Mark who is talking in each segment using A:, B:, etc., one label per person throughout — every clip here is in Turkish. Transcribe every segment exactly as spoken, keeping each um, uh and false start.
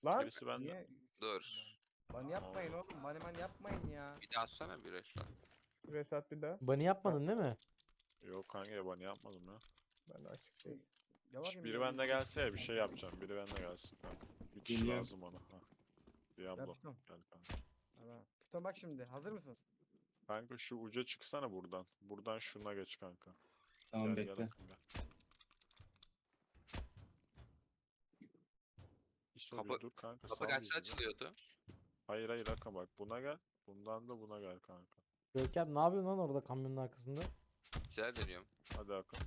A: Lan
B: Gerisi bende.
C: Niye?
D: Dur.
C: Ban yapmayın oğlum. Ban hemen yapmayın ya.
D: Bir daha atsana bir resmen.
A: Resat bir daha.
E: Bunny yapmadın değil mi?
B: Yok kanka yabani yapmadım ya.
A: Ben de açık değil.
C: Ya
B: Şş,
C: bakayım
B: biri
C: ya,
B: bende
C: bir-
B: gelse ya bir şey yapacağım. Biri bende gelsin kanka. Bir kişi
F: Geliyorum.
B: lazım ona. Ha. Diablo.
C: Piton.
B: Gel kanka.
C: Tamam. Piton bak şimdi. Hazır mısın?
B: Kanka şu uca çıksana buradan. Buradan şuna geç kanka.
F: Tamam
B: Gel,
F: bekle.
B: Gel, gel. İso bir
D: Kapı-
B: dur kanka.
D: Kapı
B: sal
D: kaçta
B: bizi bir.
D: açılıyordu?
B: Hayır hayır Hakan bak buna gel. Bundan da buna gel kanka.
E: Görkem ne yapıyorsun lan orada kamyonun arkasında?
D: Güzel deniyorum.
B: Hadi Hakan.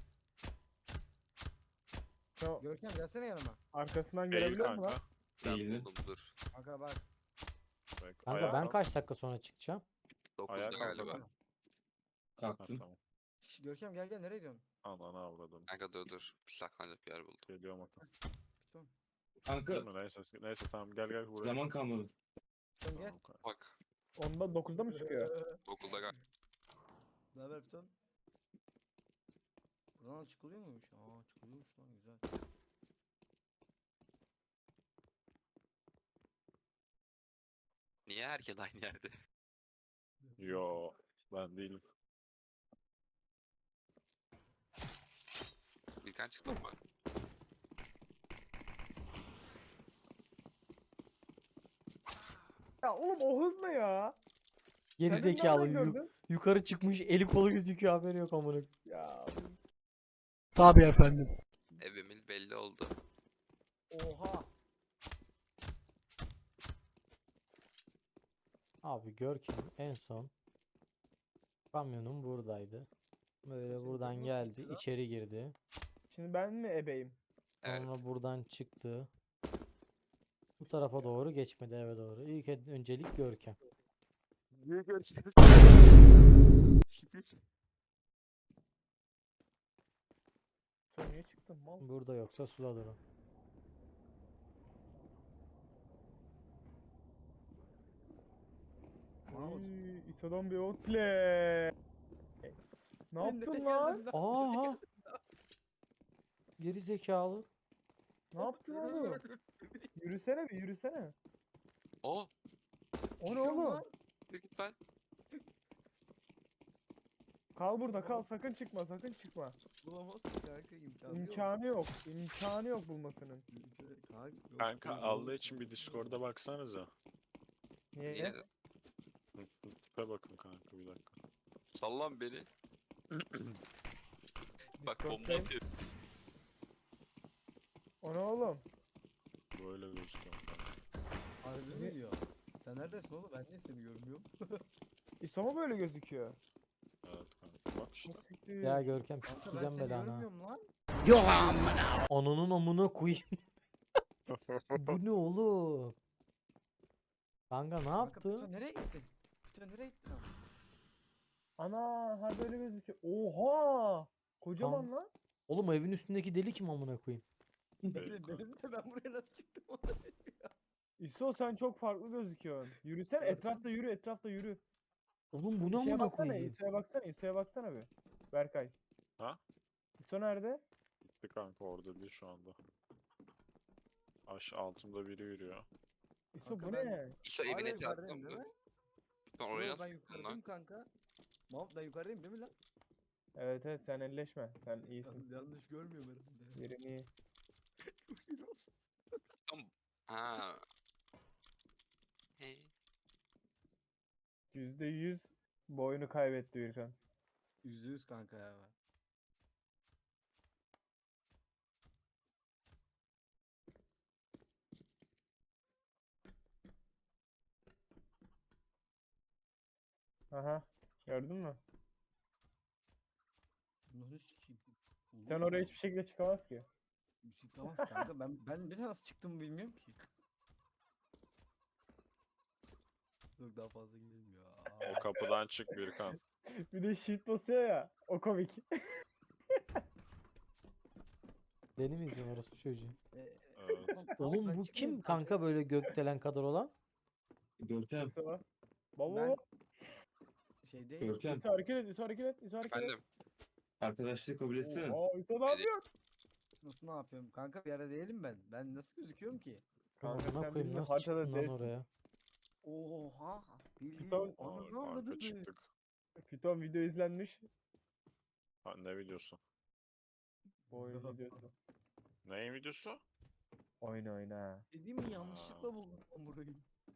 A: Sen
C: Görkem gelsene yanıma.
A: arkasından
B: Eğil
A: görebiliyor musun
B: kanka.
A: lan?
D: Ben
F: Değildi.
D: buldum dur.
C: Kanka bak.
B: Bak,
E: Kanka
B: ayağa
E: ben
B: kalk.
E: kaç dakika sonra çıkacağım?
D: dokuzda
B: Ayağa kalk
D: galiba.
B: Hakan. Ha,
F: Kalktım.
B: tamam.
C: Şş, Görkem gel gel nereye gidiyorsun?
B: Ananı avradım.
D: Kanka dur dur. Bir saklanacak bir yer buldum.
B: Geliyorum Hakan.
C: Piton.
F: Kanka
B: Değil mi? Neyse, neyse tamam gel gel buraya.
F: zaman kalmadı.
C: Piton gel.
B: Tamam, kanka.
D: Bak.
A: Onda dokuzda mı çıkıyor?
D: Okulda gel.
C: Ne haber Piton? Buradan çıkılıyor muymuş? Aa çıkılıyormuş lan güzel.
D: Niye herkes aynı yerde?
B: Yo ben değilim.
D: Birkan çıktın mı?
A: Ya oğlum o hız ne ya?
E: Geri
A: Kendin
E: zekalı
A: nereden
E: yu-
A: gördün?
E: yukarı çıkmış eli kolu gözüküyor haberi yok amına.
A: Ya
E: Tabii efendim.
D: Evimin belli oldu.
C: Oha.
E: Abi Görkem en son kamyonum buradaydı. Böyle
C: Senin
E: buradan
C: kamyon
E: geldi,
C: sıkıntı lan.
E: içeri girdi.
A: şimdi ben mi ebeyim?
D: Evet.
E: Sonra buradan çıktı. Bu tarafa doğru geçmedi eve doğru. İlk ed- öncelik Görkem.
D: Niye görüşürüz?
A: Sen niye çıktın mal?
E: Burada yoksa suladır o.
C: Mahmut.
A: Uy, İso'dan bir outplay. Ne
C: Ben
A: yaptın
C: nereye
A: lan?
C: geldim
E: Aha! Geri zekalı.
A: Ne yaptın oğlum? Yürüsene bir yürüsene.
D: O.
A: O ne
C: Çıkıyorum
A: oğlum?
C: lan.
D: Yürü git lan.
A: Kal burada kal sakın çıkma sakın çıkma.
C: Bulamazsın kanka imkanı yok.
A: İmkanı yok. İmkanı yok bulmasının.
C: Kanka, yok,
B: Kanka
C: yok,
B: Allah
C: yok.
B: için bir Discord'a baksanıza.
A: Niye?
D: Niye?
B: Hı, hı, Tipe bakın kanka bir dakika.
D: Sallan beni. Bak bomba
A: Discord'dayım.
D: atıyor.
A: O ne oğlum?
B: Böyle gözüküyor kanka.
C: Harbi
A: Ne?
C: mi diyor? Sen neredesin oğlum? Ben niye seni görmüyorum?
A: İso mu böyle gözüküyor?
B: Evet kanka bak işte.
A: Çok siktir.
E: Ya Görkem
C: Kanka ben
E: sikeceğim
C: seni
E: belanı ha.
C: görmüyorum lan.
E: Ananın amına koyayım. Bu ne oğlum? Kanka ne
C: Kanka
E: yaptı?
C: Pito nereye gittin? Pito nereye gittin abi?
A: Ana ha böyle gözüküyor. Oha! Kocaman lan.
E: Oğlum evin üstündeki deli kim amına koyayım?
B: Evet,
C: Benim,
B: kanka.
C: benim de ben buraya nasıl çıktım onu
A: İso sen çok farklı gözüküyorsun. Yürüsene etrafta yürü etrafta yürü.
E: Oğlum bu ne
A: Bir şeye
E: amına
A: baksana
E: koyayım?
A: İso'ya baksana İso'ya baksana bir. Berkay.
B: Ha?
A: İso nerede?
B: Gitti kanka orada değil şu anda. Aş altımda biri yürüyor.
A: İso
C: Kanka
A: bu
C: ben-
A: ne?
D: İşte
C: Hala
D: evine
C: yukarıdayım
D: çarptım
C: değil
D: dur.
C: mi?
D: Ben oraya
C: Yo,
D: nasıl
C: ben
D: çıktın
C: yukarıdayım
D: lan?
C: kanka. Mahmut ben yukarıdayım değil mi lan?
A: Evet evet sen elleşme. Sen iyisin.
C: Yanlış görmüyorum herhalde.
A: Yerin iyi.
C: Çok iyi oldu.
D: Ha. Hey.
A: Yüzde yüz boyunu kaybetti Birkan.
C: Yüzde yüz kanka ya.
A: Aha. Gördün mü?
C: Bunu sikeyim.
A: Sen oraya hiçbir şekilde çıkamaz ki.
C: Çıkamaz kanka. Ben ben bir nasıl çıktığımı bilmiyorum ki. Yok daha fazla gidelim ya.
B: O kapıdan çık Birkan.
A: Bir de shift basıyor ya. O komik.
E: Beni mi izliyorsun orospu çocuğu?
C: Ee,
B: Evet.
E: Oğlum
C: ben
E: bu
C: çıkmayayım
E: kim kanka böyle gökdelen kadar olan?
F: Görkem.
A: İso. Baba.
C: Ben şey değil.
F: Görkem.
A: İso hareket et. İso hareket et. İso hareket et.
D: Efendim.
F: Arkadaşlığı kabul etsene.
A: Oha İso ne yapıyor?
C: Nasıl ne yapıyorum? Kanka bir ara değilim ben. Ben nasıl gözüküyorum ki?
A: Kanka
E: Amına
A: sen
E: koyayım
A: bizim
E: nasıl
A: haritada
E: çıktın lan
A: değilsin.
E: oraya?
C: Oha. Bildiğin
A: Piton-
C: onu
B: Ar-
C: ne
B: arka
C: anladın?
B: çıktık.
A: Python video izlenmiş.
B: Ha, ne videosu?
A: Bu oyun videosu.
B: Neyin videosu?
A: Oyna oyna.
C: Dediğim mi yanlışlıkla buldum ben burayı.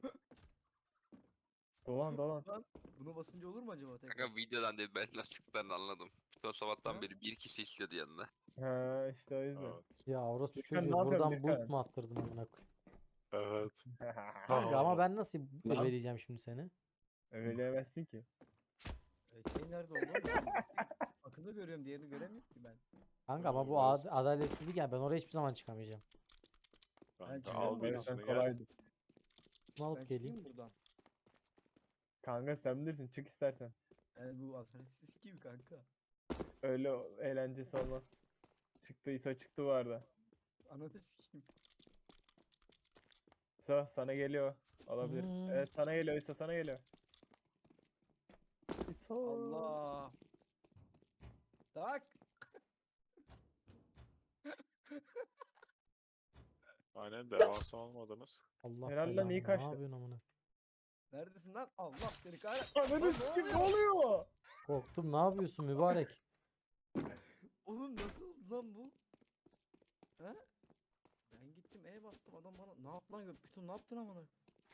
A: Dolan dolan.
C: Buna basınca olur mu acaba tekrar?
D: Kanka videodan değil ben nasıllıktan anladım. Son sabahtan
C: Ha?
D: beri bir kişi istedi yanına.
A: Ha işte o yüzden.
B: Evet.
E: Ya orospu
A: Birkan, ne
E: çocuğu
A: yapıyorsun
E: buradan boost
A: Birkan?
E: mu attırdın amına koyayım?
B: Evet.
E: Kanka ama
B: Aa.
E: ben nasıl
F: Lan.
E: ebeleyeceğim şimdi seni?
A: Öyleyemezsin ki.
C: E, şey nerede oldu? Ben Akını görüyorum, diğerini göremiyorum ki ben.
E: Kanka ama bu
B: Biraz-
E: ad- adaletsizlik yani ben oraya hiçbir zaman çıkamayacağım.
B: Kanka
C: çıkıyorum
B: al
C: buradan.
A: O yüzden
B: birisini gel.
A: kolaydı.
E: Bunu alıp
C: Ben
E: geleyim.
C: çıkayım buradan.
A: Kanka sen bilirsin çık istersen.
C: Yani bu adaletsiz gibi kanka.
A: Öyle o- eğlencesi olmaz. Çıktı İso çıktı bu arada.
C: Ananı sikeyim.
A: İso sana geliyor. Olabilir.
E: Hmm.
A: Evet sana geliyor İso sana geliyor. İso.
C: Allah. Tak.
B: Aynen devasa olmadınız.
E: Allah
A: Helal lan,
E: belanı,
A: iyi
E: ne
A: kaçtı.
E: yapıyorsun amına?
C: Neredesin lan? Allah seni kahretsin.
A: Ananı sikim ne oluyor?
E: Korktum, ne yapıyorsun mübarek?
C: Oğlum nasıl oldu lan bu? He? Ben gittim E bastım adam bana ne yaptı lan Python ne yaptın amına?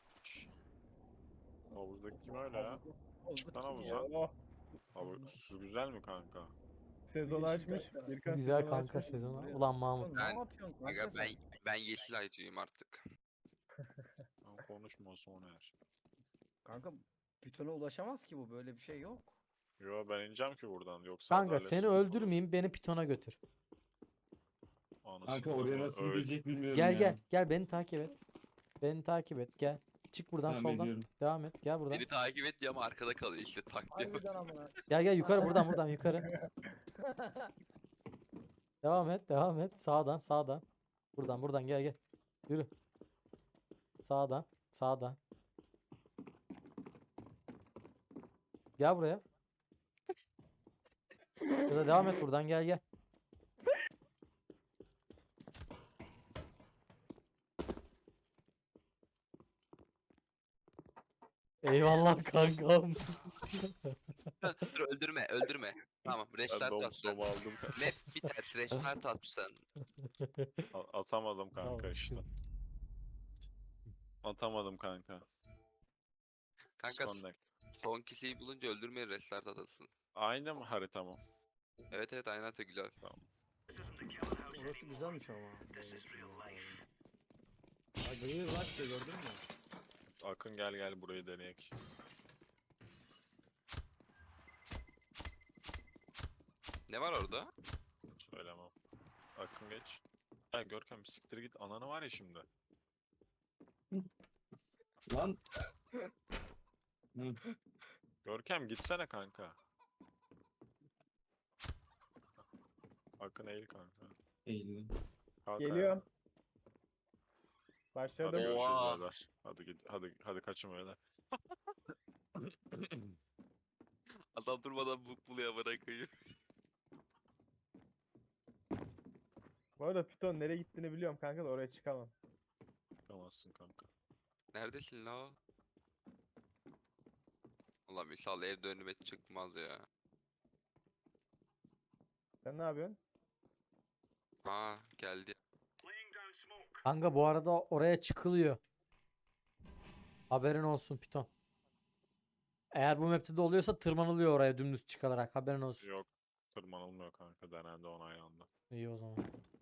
B: Havuzdaki kim öyle ya? Çık lan
C: Havuzdaki
B: havuza.
C: ya.
A: Oh,
B: Havuz su güzel mi kanka?
A: sezonu
C: Yeşil
A: açmış.
C: kanka.
A: Birkan
E: Güzel
A: sezonu
E: kanka
A: açmış.
E: sezonu.
C: buraya.
E: Ulan Mahmut.
C: Python
D: Ben-
C: ne yapıyorsun kanka
D: Aga ben
C: sen?
D: ben yeşil aycıyım artık.
B: Lan konuşma Soner.
C: Kanka Python'a ulaşamaz ki bu böyle bir şey yok.
B: Yo ben ineceğim ki buradan yoksa
E: Kanka
B: adaletsizlik
E: seni
B: olur.
E: öldürmeyeyim, beni pitona götür.
B: Anasını
F: Kanka oraya
B: da
F: nasıl
B: öyle-
F: gidecek bilmiyorum
E: Gel
F: ya.
E: gel gel beni takip et. Beni takip et gel. Çık buradan
F: Tamam,
E: soldan.
F: ediyorum.
E: Devam et gel buradan.
D: Beni takip et diyor ama arkada kalıyor işte tak diyor.
C: Harbiden amına.
E: Gel gel yukarı buradan buradan yukarı. Devam et devam et. Sağdan sağdan. Buradan buradan gel gel. Yürü. Sağdan sağdan. Gel buraya. Ya da devam et buradan gel gel. Eyvallah kankam.
D: Dur öldürme öldürme. Tamam
B: Ben
D: restart
B: dom,
D: at sen.
B: dom aldım.
D: Map biter restart at sen.
B: A- Atamadım kanka
E: Tamam,
B: işte. Atamadım kanka.
D: Kanka
B: Disconnect.
D: son kişiyi bulunca öldürmeye restart atasın.
B: Aynı mı harita mı?
D: Evet evet aynen de güzel.
C: Orası güzelmiş ama. Ha gıyır var işte gördün mü?
B: Akın gel gel burayı deneyek.
D: Ne var orada?
B: Söylemem. Akın geç. Ya Görkem siktir git ananı var ya şimdi.
F: Lan. Hı.
B: Görkem gitsene kanka. Akın eğil kanka.
F: Eğildim.
B: Kalk
A: Geliyorum.
B: ayağa. Hadi
A: Başladım.
B: görüşürüz
D: Oha.
B: beyler. Hadi git hadi hadi kaçın beyler.
D: Adam durmadan bul buluyor bırakıyor.
A: Bu arada Python nereye gittiğini biliyorum kanka da oraya çıkamam.
B: Çıkamazsın kanka.
D: Neredesin la? o? Allah misal evde önüme çıkmaz ya.
A: Sen ne yapıyorsun?
D: Ha geldi.
E: Kanka bu arada oraya çıkılıyor. Haberin olsun Piton. Eğer bu map'te de oluyorsa tırmanılıyor oraya dümdüz çıkılarak. Haberin olsun.
B: Yok tırmanılmıyor kanka denendi onaylandı.
E: İyi o zaman.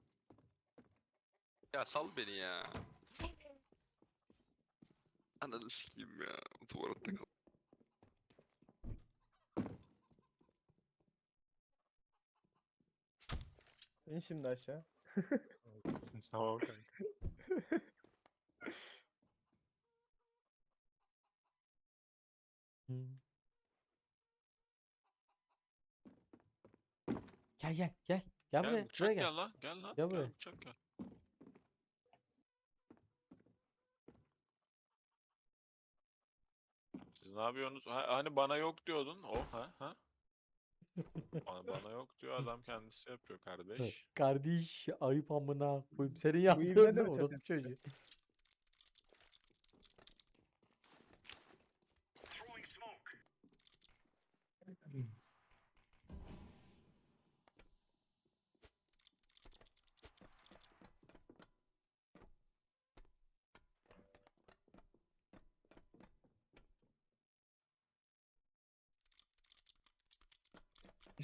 D: Ya sal beni ya. Ananı sikeyim ya. Tuvalette kal.
A: İn şimdi aşağı.
B: Tamam kanka.
E: Hmm. Gel gel gel. Gel buraya.
B: Gel
E: Buraya
B: uçak
E: gel.
B: gel lan gel lan.
E: Gel
B: Gel
E: buraya.
B: uçak gel. Siz ne yapıyorsunuz? Ha, hani bana yok diyordun. O ha ha. Bana, bana yok diyor adam kendisi yapıyor kardeş.
E: Kardeş ayıp amına koyayım. Senin
A: ibne
E: yaptığın
A: de
E: ne
A: mi
E: orospu çocuğu?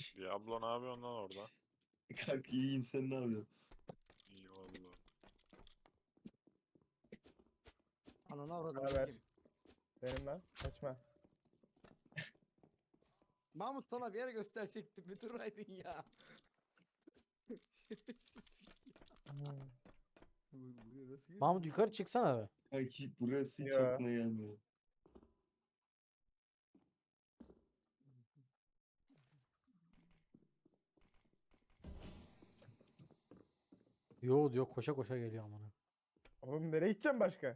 B: Diablo ne yapıyorsun lan orada?
F: Kanka iyiyim, sen ne yapıyorsun?
B: İyi valla.
C: Ananı avradım.
A: Haber.
C: kim?
A: Benim lan. Kaçma.
C: Mahmut sana bir yer gösterecektim. Bir duraydın ya. Şerefsiz bir-
A: Hmm.
C: Bu- buraya nasıl girdin?
E: Mahmut yukarı çıksana be.
F: Kanki burası hiç
A: Ya.
F: aklına gelmiyor.
E: Yo diyor koşa koşa geliyor amına.
A: Oğlum nereye gideceğim başka?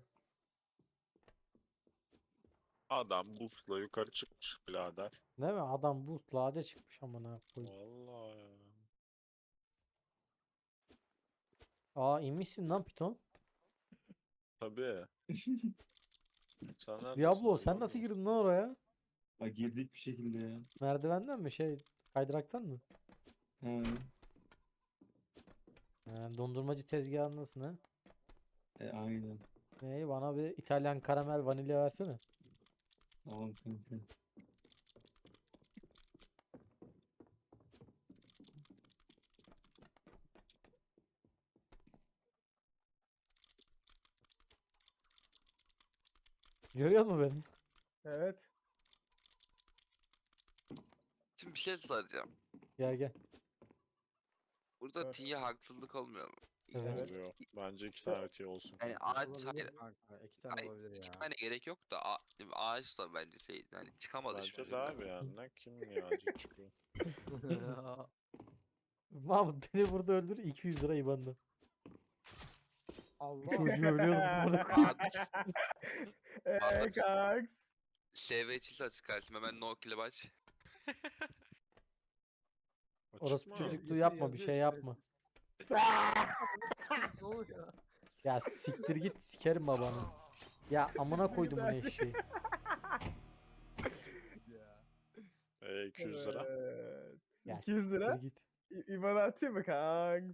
B: Adam busla yukarı çıkmış birader.
E: Değil mi? Adam boost'la ağaca çıkmış amına koyayım.
B: Vallahi ya.
E: Aa inmişsin lan piton.
B: Tabii. Sen neredesin
E: Diablo sen
B: lan?
E: nasıl girdin lan oraya?
F: Ha, girdik bir şekilde ya.
E: Merdivenden mi şey kaydıraktan mı?
F: Ha.
E: He, dondurmacı tezgahındasın ha.
F: E, aynen.
E: Neyi bana bir İtalyan karamel vanilya versene.
F: Tamam kanka.
E: Görüyor musun beni?
A: Evet.
D: Şimdi bir şey soracağım.
E: Gel gel.
D: Burada
A: Evet.
D: T'ye haksızlık olmuyor mu?
E: Evet.
B: Oluyor. Bence iki tane T olsun.
D: Yani
B: kanka.
D: ağaç
C: Olabilir
D: hayır,
C: kanka. İki tane
D: Hayır,
C: olabilir
D: iki
C: ya.
D: tane gerek yok da a- ağaçsa bence şey hani çıkamadı
B: Bence
D: şimdi.
B: de abi yani. Ne kim ya acı çıkıyor.
E: Mahmut beni burada öldür iki yüz lira IBAN'da.
C: Allah.
E: Çocuğu ölüyordum amına koyayım.
A: Eee
D: Vallahi-
A: kaks.
D: S V çiz açık kardeşim hemen no kile baş.
E: Orası
B: Açık mı?
E: çocukluğu yapma bir şey yapma.
C: Ne oluyor?
E: Ya siktir git sikerim babanı. Ya amına koydum bunu eşeği.
C: Ya.
B: E, iki yüz lira.
A: Evet.
E: Ya
A: iki yüz lira.
E: siktir git.
A: İ- İban atayım mı kanks?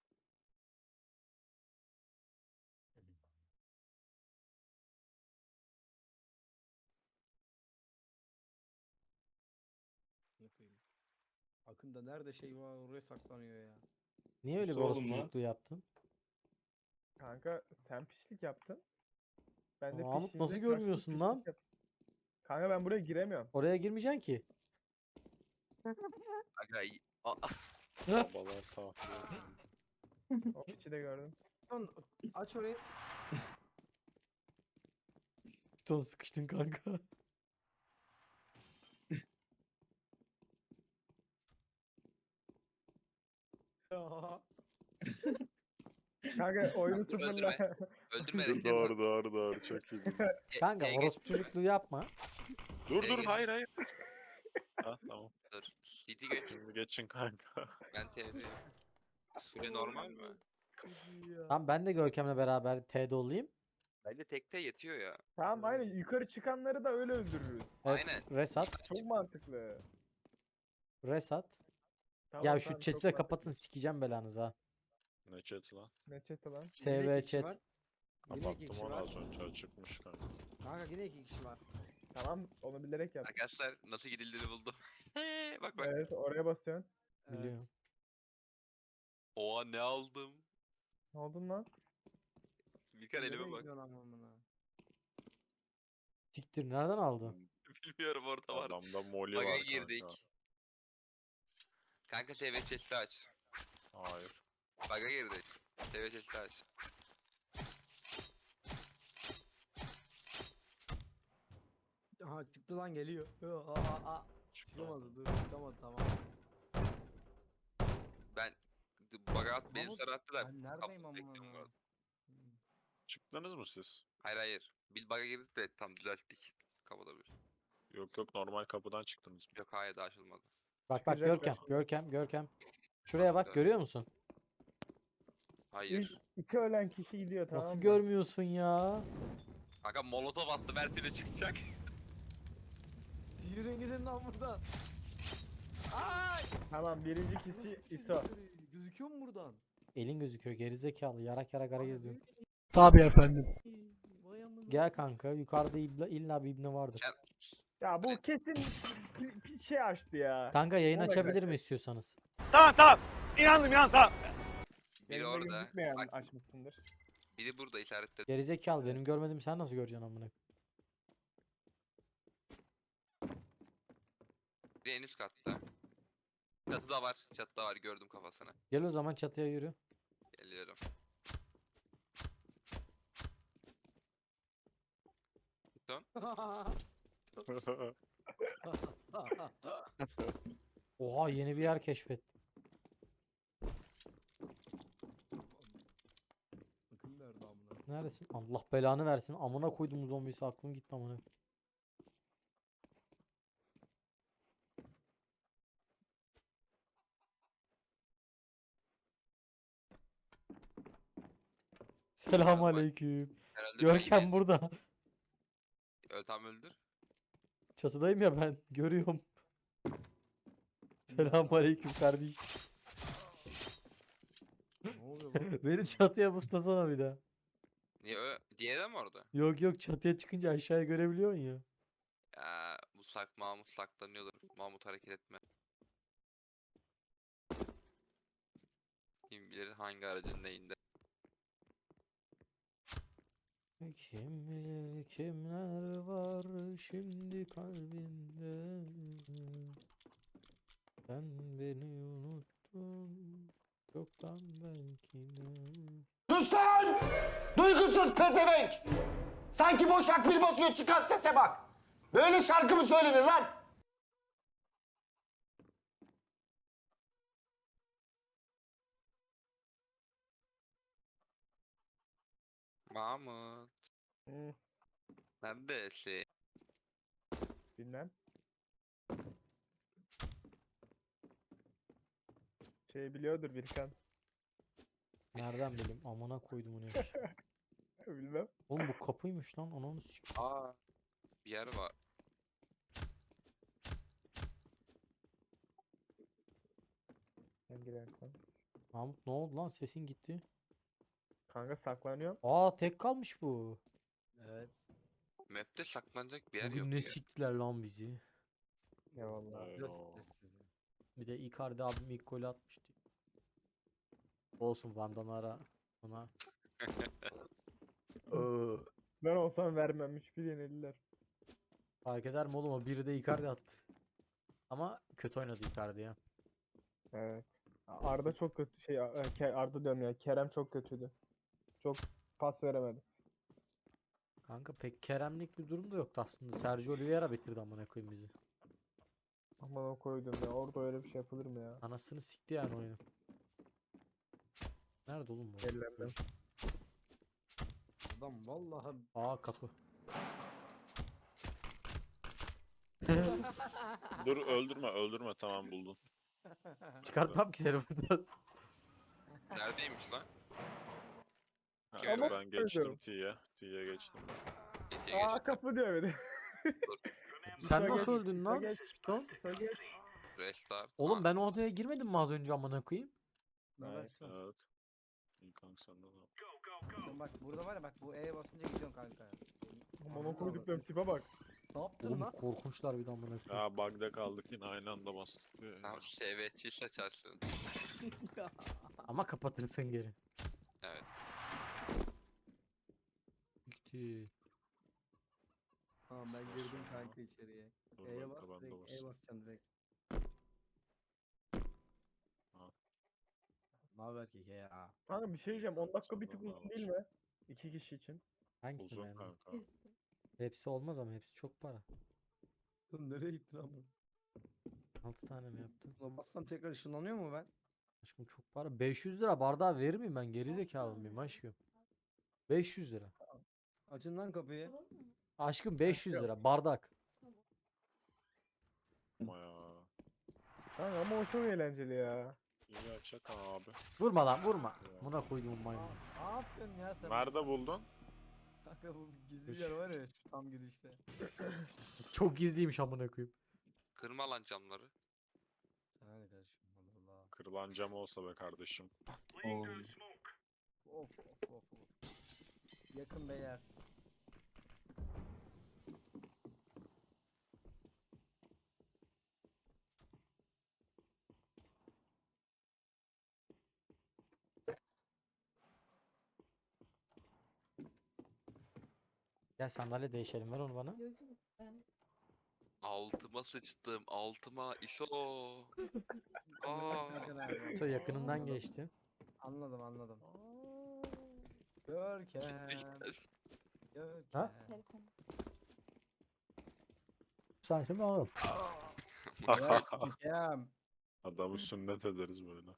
C: Yapayım. Akında nerede şey var oraya saklanıyor ya.
E: Niye öyle bir
F: Nasıl
E: orospu
F: oğlum lan?
E: çocukluğu yaptın?
A: Kanka sen pişlik yaptın. Ben de
E: Mahmut,
A: pişliğinde
E: nasıl
A: karşılık
E: görmüyorsun
A: pişlik
E: lan?
A: yaptım. Kanka ben buraya giremiyorum.
E: Oraya girmeyeceksin ki.
D: Aga y- a-
B: Babalar tahliye.
A: O içi de gördüm.
C: Lan aç orayı.
E: Piton sıkıştın kanka.
C: Ya.
A: Kanka oyunu
D: Dur,
A: sıfırla.
D: öldürme
B: Dur,
D: Resim.
B: doğru doğru doğru çok iyi.
D: T-
E: Kanka
D: T'ye
E: orospu
D: geçme.
E: çocukluğu yapma.
B: Dur
D: T'ye
B: dur
D: geç.
B: hayır hayır. Ha tamam.
D: Dur. C T geç.
B: Şimdi geçin kanka.
D: Ben T'deyim. Süre normal mi?
C: Ya.
E: Tamam ben de Görkem'le beraber T'de olayım.
D: Bence tekte yetiyor ya.
A: Tamam aynen yukarı çıkanları da öyle öldürürüz.
E: Evet,
D: Aynen.
E: Resat.
A: Çok mantıklı.
E: Resat.
A: Tamam,
E: Ya
A: tamam,
E: şu
A: çok
E: chat'i de
A: mantıklı.
E: kapatın sikeceğim belanızı ha.
B: Ne chat lan?
A: Ne chat'i lan?
C: Yine
E: S V
C: iki kişi
E: chat.
C: var. Yine iki
B: Kapattım
C: kişi
B: onu
C: var.
B: az önce açıkmış kanka.
C: Kanka yine iki kişi var.
A: Tamam onu bilerek yap.
D: Arkadaşlar nasıl gidildiğini buldum. bak bak.
A: Evet oraya basıyorsun.
E: Biliyorum.
D: Oha ne aldım.
A: Ne oldun lan?
D: Birkan elime
C: Nereye
D: bak.
C: gidiyorsun amına?
E: Siktir nereden aldın?
D: Bilmiyorum orada var.
B: Adamda moli
D: Baga
B: var
D: girdik.
B: kanka.
D: Kanka S V chest'i aç.
B: Hayır.
D: Baga girdik. S V chest'i aç.
C: Aha çıktı lan geliyor. Yo, Aa, aa, aa.
B: Çıktı.
C: Çıkamadı dur çıkamadı tamam.
D: Ben baga at beni
C: Mahmut,
D: sarı attılar.
C: Ben neredeyim
D: Kapıyı
C: amına?
D: bekliyorum bu arada.
C: Hmm.
B: Çıktınız mı siz?
D: Hayır hayır. Bir baga girdik de tam düzelttik. Kapatabilir.
B: Yok yok normal kapıdan çıktınız.
D: Yok hayır daha açılmadı.
E: Bak bak
A: Çıkacaklar
E: Görkem,
A: şimdi.
E: Görkem, Görkem. Şuraya bak
D: Bakacağız.
E: görüyor musun?
D: Hayır.
A: İlk iki ölen kişi gidiyor tamam
E: Nasıl
A: mı?
E: görmüyorsun ya?
D: Kanka molotof attı Mert'e çıkacak.
C: Yürüyün gidin lan buradan. Ay!
A: Tamam birinci kişi İso.
C: Gözüküyor mu buradan?
E: Elin gözüküyor gerizekalı yarak yarak hareket ediyor.
C: Tabii efendim. Vay amına.
E: Gel kanka yukarıda ibla, illa bir ibne vardır.
D: Sen
A: Ya bu kesin bir, bir şey açtı ya.
E: Kanka yayın
A: Ona
E: açabilir
A: göre.
E: mi istiyorsanız?
D: Biri
A: Yayında
D: orada.
A: gözükmeyen
D: Bak
A: açmışsındır.
D: biri burada işaretledi.
E: Gerizekalı benim görmedim sen nasıl göreceksin amına?
D: Biri en üst katta. Çatıda var. Çatıda var. Gördüm kafasını.
E: Gel o zaman çatıya yürü.
D: Geliyorum. Python.
E: Oha yeni bir yer keşfet.
C: Bakın nerede amına.
E: Neredesin? Allah belanı versin. Amına koydum zombisi aklım gitti amına. Selam aleyküm.
D: Herhalde
E: Görkem
D: beyni-
E: burada.
D: Ö, tam öldür.
E: Çatıdayım ya ben. Görüyorum. Selam aleyküm kardeş.
C: Ne oluyor lan?
E: Beni çatıya buslasana bir daha.
D: Niye ö? Diğeri de mi orada?
E: Yok yok çatıya çıkınca aşağıya görebiliyor musun ya?
D: Ya Musak Mahmut saklanıyordur. Mahmut hareket etme. Kim bilir hangi aracın neyinde.
E: Kim bilir kimler var şimdi kalbinde. Sen beni unuttun çoktan belki de.
G: Sus lan! Duygusuz pezevenk! Sanki boş akbil basıyor çıkan sese bak! Böyle şarkı mı söylenir lan?
D: Mahmut.
A: Hı,
D: Neredesin?
A: bilmem. Şey biliyordur Birkan.
E: Nereden bileyim amına koydum onu ya.
A: Bilmem.
E: Oğlum bu kapıymış lan ananı sik.
D: Aa. Bir yer var.
A: Sen girersen.
E: Mahmut ne oldu lan sesin gitti.
A: Kanka saklanıyorum.
E: Aa tek kalmış bu.
C: Evet.
D: Map'te saklanacak bir yer
E: Bugün
D: yok
E: ne
D: ya.
E: siktiler lan bizi.
A: Eyvallah.
B: Eyvah.
E: Bir de Icardi abim ilk golü atmıştı. Olsun Van Danara ona.
A: Ben olsam vermem. üç bir yenildiler.
E: Fark eder mi oğlum o biri de Icardi attı. Ama kötü oynadı Icardi ya.
A: Evet. Arda çok kötü şey e, Ke- Arda diyorum ya. Kerem çok kötüydü. Çok pas veremedi.
E: Kanka pek Keremlik bir durum da yoktu aslında. Sergio Oliveira bitirdi amına koyayım bizi.
A: Aman o koydum ya. Orada öyle bir şey yapılır mı ya?
E: Anasını sikti yani oyunu. Nerede oğlum bu?
A: Ellerden.
C: Adam vallahi
E: Aa kapı.
B: Dur öldürme öldürme tamam buldum.
E: Çıkartmam ki seni buradan.
D: Neredeymiş lan?
B: Ha,
D: Ama
B: ben geçtim
A: öldüm.
B: T'ye. T'ye geçtim ben.
D: Geçe
A: Aa
D: geçti.
A: kapı diyor bir de.
E: Sen
A: İso
E: nasıl
A: geç,
E: öldün
A: İso
E: lan?
A: geç.
E: Piton?
A: İso geç.
D: Restart.
E: Oğlum
D: Aa,
E: ben o odaya girmedim mi az önce amına koyayım?
C: ne haber?
A: Evet.
B: Evet. İyi kanka senden ne yapıyorsun?
C: Sen bak burada var ya bak bu E'ye basınca gidiyorsun kanka.
A: Aman o koyduklarım tipe bak.
C: Ne yaptın
E: Oğlum
C: lan?
E: korkunçlar bir de amına koyayım.
B: Ya bug'da kaldık yine aynı anda bastık. ya.
D: Tamam şevetçi saçarsın.
E: Ama kapatırsın geri.
D: Evet.
E: Gitti.
C: Tamam ben girdim kanka içeriye.
B: Dur
C: E'ye
B: bekle,
C: bas
B: ben de
C: direkt E
B: basayım.
C: basacaksın direkt.
B: Ha.
C: Ne haber ki ya?
A: Kanka bir şey diyeceğim. on dakika bir tık
B: Senden
A: uzun
B: ne
A: değil mi? İki kişi için.
E: Hangisini
B: Uzun
E: beğendin?
B: kanka.
E: Hepsi olmaz ama hepsi çok para.
C: Oğlum nereye gittin ama?
E: altı tane mi yaptın?
C: Buna bassam tekrar ışınlanıyor mu ben?
E: Aşkım çok para. beş yüz lira bardağı verir miyim ben? Gerizekalı mıyım aşkım? beş yüz lira.
C: Açın lan kapıyı.
E: Aşkım beş yüz lira bardak.
B: Ama ya.
A: Kanka ama o çok eğlenceli ya.
B: İyi açak abi.
E: Vurma lan vurma.
B: Ya.
E: Buna koyduğum
C: Aa,
E: maymun.
C: ne yapıyorsun ya sen?
B: Nerede buldun?
C: Kanka bu gizli yer var ya şu tam girişte.
E: Çok gizliymiş amına koyayım.
D: Kırma lan camları.
C: Sana ne kardeşim Allah Allah.
B: Kırılan cam olsa be kardeşim.
F: Oo.
C: Of of of of. Yakın beyler.
E: Gel sandalye değişelim ver onu bana.
H: Yok, yok, ben-
D: Altıma sıçtım. Altıma. İso. Aa.
C: Görkem abi.
E: So yakınından
C: Anladım.
E: geçti.
C: Anladım anladım. Görkem.
E: Ha?
C: Görkem.
H: telefon.
E: Sen şimdi alırım.
C: Görkem.
B: Adamı sünnet ederiz böyle.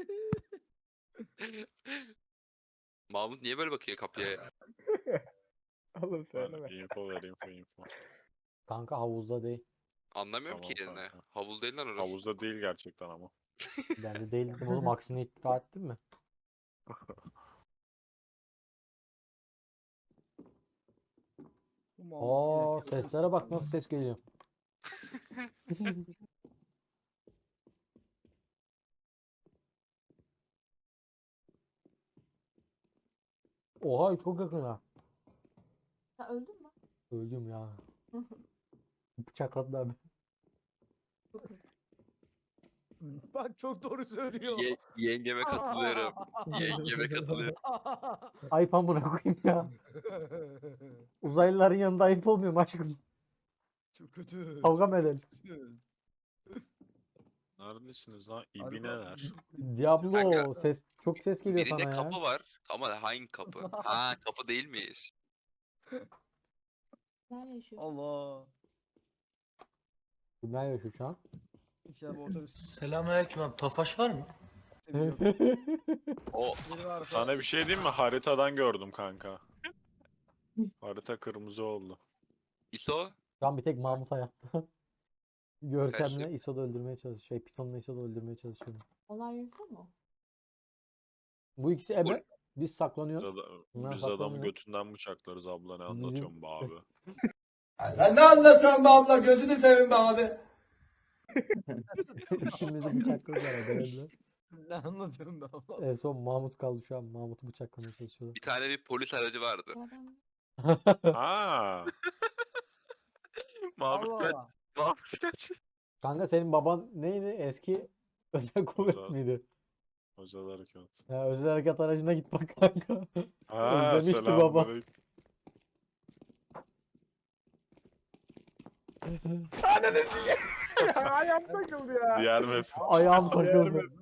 D: Mahmut niye böyle bakıyor kapıya ya?
A: Oğlum
B: Ben
A: söyleme.
B: info ver info info.
E: Kanka havuzda değil.
D: Anlamıyorum
B: Tamam
D: ki yerine.
B: kanka.
D: Havuz değil lan orası.
B: Havuzda değil gerçekten ama.
E: Ben de değil dedim oğlum aksini iddia ettin mi?
C: Bu Mahmut
E: Oo
C: yine kırmızı
E: seslere bak
C: kaldı.
E: nasıl ses geliyor. Oha çok yakın ha.
H: Sen öldün mü?
E: Öldüm ya. Bıçakladı abi.
C: Bak çok doğru söylüyor.
D: Ye- yengeme katılıyorum. Yengeme katılıyorum.
E: Ayıp amına koyayım ya. Uzaylıların yanında ayıp olmuyor mu aşkım?
C: Çok kötü.
E: Kavga mı edelim?
C: kötü.
B: Neredesiniz lan?
C: Harbi
B: İbineler.
E: Diablo
D: Kanka,
E: ses çok ses geliyor
D: Birinde
E: sana ya.
D: kapı var ama hangi kapı? Ha kapı değilmiş.
H: Nerede yaşıyorsun?
C: Allah.
E: Kimler yaşıyor şu an?
C: İnşallah bu otobüs
I: Selamünaleyküm abi. Tofaş var mı?
C: seviyor.
D: O
C: Biri varsa
B: Sana bir şey diyeyim mi? Haritadan gördüm kanka. Harita kırmızı oldu.
D: İso
E: Şu an bir tek Mahmut hayatta. Görkem'le
D: Kaçtı.
E: İso'da öldürmeye çalışıyor. Şey Python'la İso'da öldürmeye çalışıyor.
H: Onlar yaşıyor mu?
E: Bu ikisi ebe. Biz
B: Biz,
E: saklanıyoruz.
B: ada-
E: Bunlar
B: biz adamı
E: saklanıyor.
B: götünden bıçaklarız abla ne
E: Bizim-
B: anlatıyorsun be abi.
I: Sen ne anlatıyorsun be abla? Gözünü seveyim be abi.
E: İkimizi bıçakladılar ebelediler.
C: ne anlatıyorum ben Allah.
E: En son Mahmut kaldı şu an. Mahmut'u bıçaklamaya çalışıyorlar.
D: bir tane bir polis aracı vardı.
H: Bu adam
B: Ha,
D: Mahmut
C: Allah
D: kaç.
C: Allah.
D: Mahmut kaç.
E: Kanka senin baban neydi? Eski özel kuvvet
B: Özel-
E: miydi?
B: özel harekat.
E: Ya özel harekat aracına git bak kanka.
B: Ha,
E: Özlemişti baba.
B: selamünaleyküm.
A: Ayağım takıldı ya.
B: Diğer map.
E: Ayağım takıldı.